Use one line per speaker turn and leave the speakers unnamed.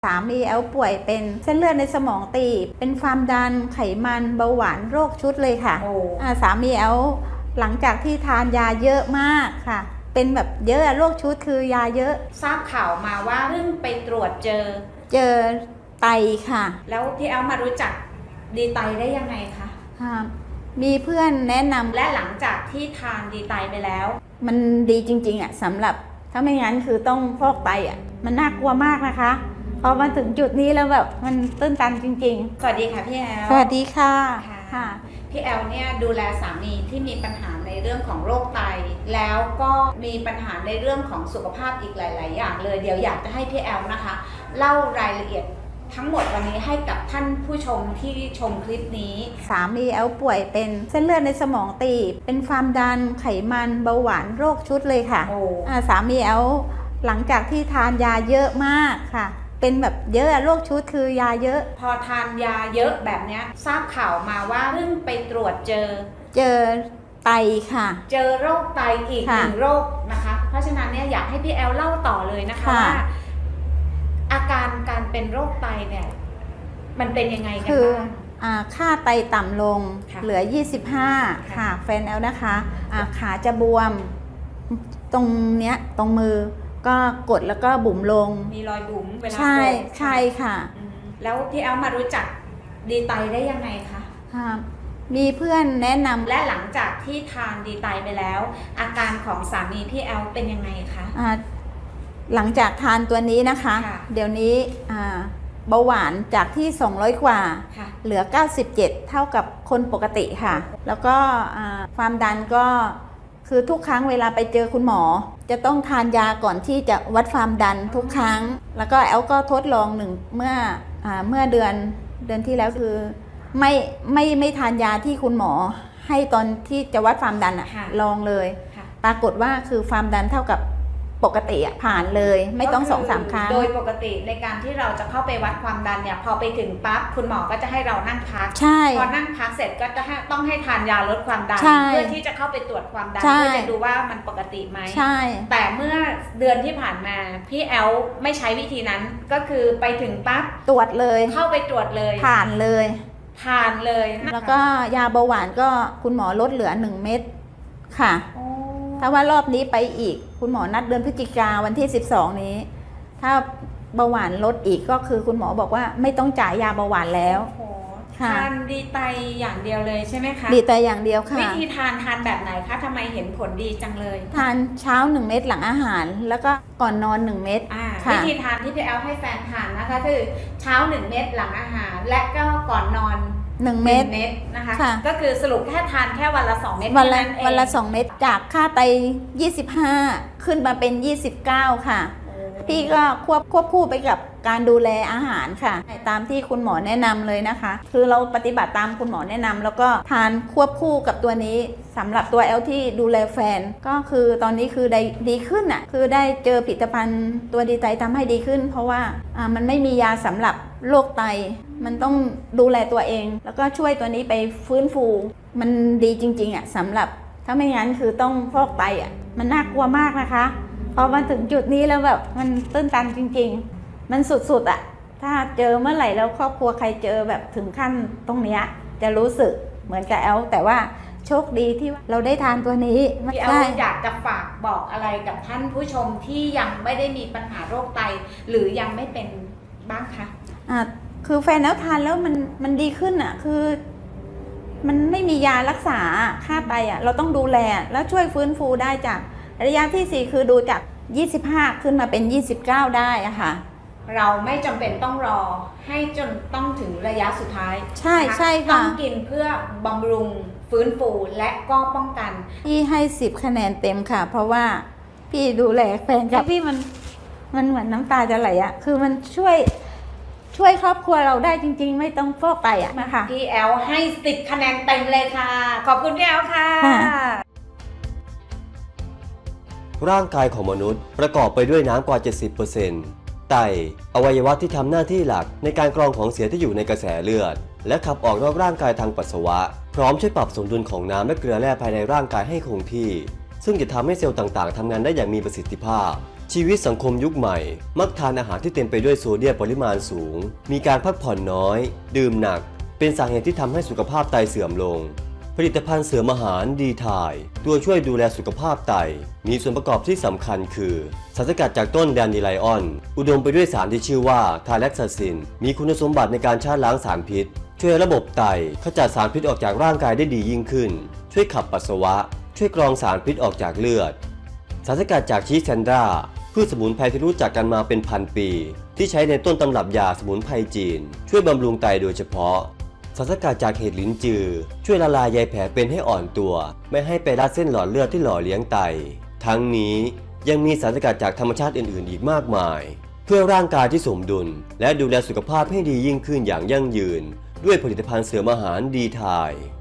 สามีแอลป่วยเป็นเส้นเลือดในสมองตีบเป็นความดันไขมันเบาหวานโรคชุดเลยค่ะสามีแอลหลังจากที่ทานยาเยอะมากค่ะเป็นแบบเยอะโรคชุดคือยาเยอะ
ทราบข่าวมาว่าเพิ่งไปตรวจเจอ
ไตค่ะ
แล้วพี่แอลมารู้จักดีไตได้ยังไงคะ
มีเพื่อนแนะนำ
และหลังจากที่ทานดีไตไปแล้ว
มันดีจริงๆสำหรับถ้าไม่งั้นคือต้องฟอกไตมันน่ากลัวมากนะคะพอมาถึงจุดนี้แล้วแบบมันตื้นตันจริง
ๆสวัสดีค่ะพี่แอล
สวัสดีค่ะ
พี่แอลเนี่ยดูแลสามีที่มีปัญหาในเรื่องของโรคไตแล้วก็มีปัญหาในเรื่องของสุขภาพอีกหลายๆอย่างเลยเดี๋ยวอยากจะให้พี่แอลนะคะเล่ารายละเอียดทั้งหมดวันนี้ให้กับท่านผู้ชมที่ชมคลิปนี้
สามีแอลป่วยเป็นเส้นเลือดในสมองตีบเป็นความดันไขมันเบาหวานโรคชุดเลยค่ะสามีแอลหลังจากที่ทานยาเยอะมากค่ะเป็นแบบเยอะโรคชุดคือยาเยอะ
พอทานยาเยอะแบบนี้ทราบข่าวมาว่าเพิ่งไปตรวจเจอ
ไตค่ะ
เจอโรคไตอีกหนึ่งโรคนะคะเพราะฉะนั้นเนี่ยอยากให้พี่แอลเล่าต่อเลยนะคะว่าอาการการเป็นโรคไตเนี่ยมันเป็นยังไงกันบ้าง
ค่าไตต่ำลงเหลือ25ค่ะแฟนแอลนะคะขาจะบวมตรงเนี้ยตรงมือก็กดแล้วก็บุ๋มลง
มีรอยบุ๋มเวลา
ใช่ค่ะ
แล้วพี่แอลมารู้จักดีไตได้ยังไงคะ
มีเพื่อนแนะนำ
และหลังจากที่ทานดีไตไปแล้วอาการของสามีพี่แอลเป็นยังไงคะ
หลังจากทานตัวนี้นะคะเดี๋ยวนี้เบาหวานจากที่200กว่าเหลือ97เท่ากับคนปกติค่ะแล้วก็ความดันก็คือทุกครั้งเวลาไปเจอคุณหมอจะต้องทานยาก่อนที่จะวัดความดันทุกครั้งแล้วก็แอลก็ทดลองเมื่อเดือนที่แล้วคือไม่ทานยาที่คุณหมอให้ตอนที่จะวัดความดันลองเลยปรากฏว่าคือความดันเท่ากับปกติผ่านเลยไม่ต้อง2-3 ครั้ง
โดยปกติในการที่เราจะเข้าไปวัดความดันเนี่ยพอไปถึงปั๊บคุณหมอก็จะให้เรานั่งพักพอนั่งพักเสร็จก็จะต้องให้ทานยาลดความดันเพื่อที่จะเข้าไปตรวจความดันเพื่อจะดูว่ามันปกติไหมแต่เมื่อเดือนที่ผ่านมาพี่แอลไม่ใช้วิธีนั้นก็คือไปถึงปั๊บ
ตรวจเลย
เข้าไปตรวจเลย
ผ่านเลย
แล้ว
ก็ยาเบาหวานก็คุณหมอลดเหลือ1 เม็ดค่ะถ้าว่ารอบนี้ไปอีกคุณหมอนัดเดือนพฤศจิกาวันที่12นี้ถ้าเบาหวานลดอีกก็คือคุณหมอบอกว่าไม่ต้องจ่ายยาเบาหวานแล้ว
ทานดีไตอย่างเดียวเลยใช่ไหมคะ
ดีไตอย่างเดียวค่ะ
วิธีทานแบบไหนคะทำไมเห็นผลดีจังเลย
ทานเช้า1 เม็ดหลังอาหารแล้วก็ก่อนนอน1 เม็ด
วิธีทานที่พี่แอลให้แฟนทานนะคะคือเช้า1 เม็ดหลังอาหารและก็ก่อนนอน
1 เม็ด
นะคะก็คือสรุปแค่ทานแค่วันละ2 เม็ด
วันละ2 เม็ดจากค่าไต25ขึ้นมาเป็น29ค่ะพี่ก็ควบคู่ไปกับการดูแลอาหารค่ะตามที่คุณหมอแนะนำเลยนะคะคือเราปฏิบัติตามคุณหมอแนะนำแล้วก็ทานควบคู่กับตัวนี้สำหรับตัวแอลที่ดูแลแฟนก็คือตอนนี้คือได้ดีขึ้นคือได้เจอผลิตภัณฑ์ตัวดีไตทำให้ดีขึ้นเพราะว่ามันไม่มียาสำหรับโรคไตมันต้องดูแลตัวเองแล้วก็ช่วยตัวนี้ไปฟื้นฟูมันดีจริงๆสำหรับถ้าไม่งั้นคือต้องฟอกไตมันน่ากลัวมากนะคะพอมาถึงจุดนี้แล้วแบบมันตื้นตันจริงๆมันสุดๆถ้าเจอเมื่อไหร่แล้วครอบครัวใครเจอแบบถึงขั้นตรงนี้จะรู้สึกเหมือนกับแอลแต่ว่าโชคดีที่เราได้ทานตัวนี้
พี่แอลอยากจะฝากบอกอะไรกับท่านผู้ชมที่ยังไม่ได้มีปัญหาโรคไตหรือยังไม่เป็นบ้างคะ
คือแฟนแล้วทานแล้วมันดีขึ้นคือมันไม่มียารักษาค่าไตเราต้องดูแลแล้วช่วยฟื้นฟูได้จากระยะที่4คือดูจาก25ขึ้นมาเป็น29ได้ค่ะ
เราไม่จำเป็นต้องรอให้จนต้องถึงระยะสุดท้าย
ใช่ค่ะ
ต้องกินเพื่อบำรุงฟื้นฟูและก็ป้องกัน
พี่ให้10 คะแนนเต็มค่ะเพราะว่าพี่ดูแลแฟนกับพี่มันเหมือนน้ำตาจะไหลคือมันช่วยครอบครัวเราได้จริงๆไม่ต้องฟอกไตนะคะ
พี่แอลให้10 คะแนนเต็มเลยค่ะขอบคุณพี่แอลค่ะ
ร่างกายของมนุษย์ประกอบไปด้วยน้ำกว่า 70%ไตอวัยวะที่ทำหน้าที่หลักในการกรองของเสียที่อยู่ในกระแสเลือดและขับออกนอกร่างกายทางปัสสาวะพร้อมช่วยปรับสมดุลของน้ำและเกลือแร่ภายในร่างกายให้คงที่ซึ่งจะทำให้เซลล์ต่างๆทำงานได้อย่างมีประสิทธิภาพชีวิตสังคมยุคใหม่มักทานอาหารที่เต็มไปด้วยโซเดียมปริมาณสูงมีการพักผ่อนน้อยดื่มหนักเป็นสาเหตุที่ทำให้สุขภาพไตเสื่อมลงผลิตภัณฑ์เสริมอาหารดีทายตัวช่วยดูแลสุขภาพไตมีส่วนประกอบที่สำคัญคือสารสกัดจากต้นแดนดีไลออนอุดมไปด้วยสารที่ชื่อว่าทาแล็กซาซินมีคุณสมบัติในการชาล้างสารพิษช่วยระบบไตขจัดสารพิษออกจากร่างกายได้ดียิ่งขึ้นช่วยขับปัสสาวะช่วยกรองสารพิษออกจากเลือดสารสกัดจากชีสแซนดราพืชสมุนไพรที่รู้จักกันมาเป็นพันปีที่ใช้ในต้นตำรับยาสมุนไพรจีนช่วยบำรุงไตโดยเฉพาะสารสกัดจากเห็ดลิ้นจือช่วยละลายใยแผลเป็นให้อ่อนตัวไม่ให้ไปรัดเส้นหลอดเลือดที่หล่อเลี้ยงไตทั้งนี้ยังมีสารสกัดจากธรรมชาติอื่นๆอีกมากมายเพื่อร่างกายที่สมดุลและดูแลสุขภาพให้ดียิ่งขึ้นอย่างยั่งยืนด้วยผลิตภัณฑ์เสริมอาหารดีทาย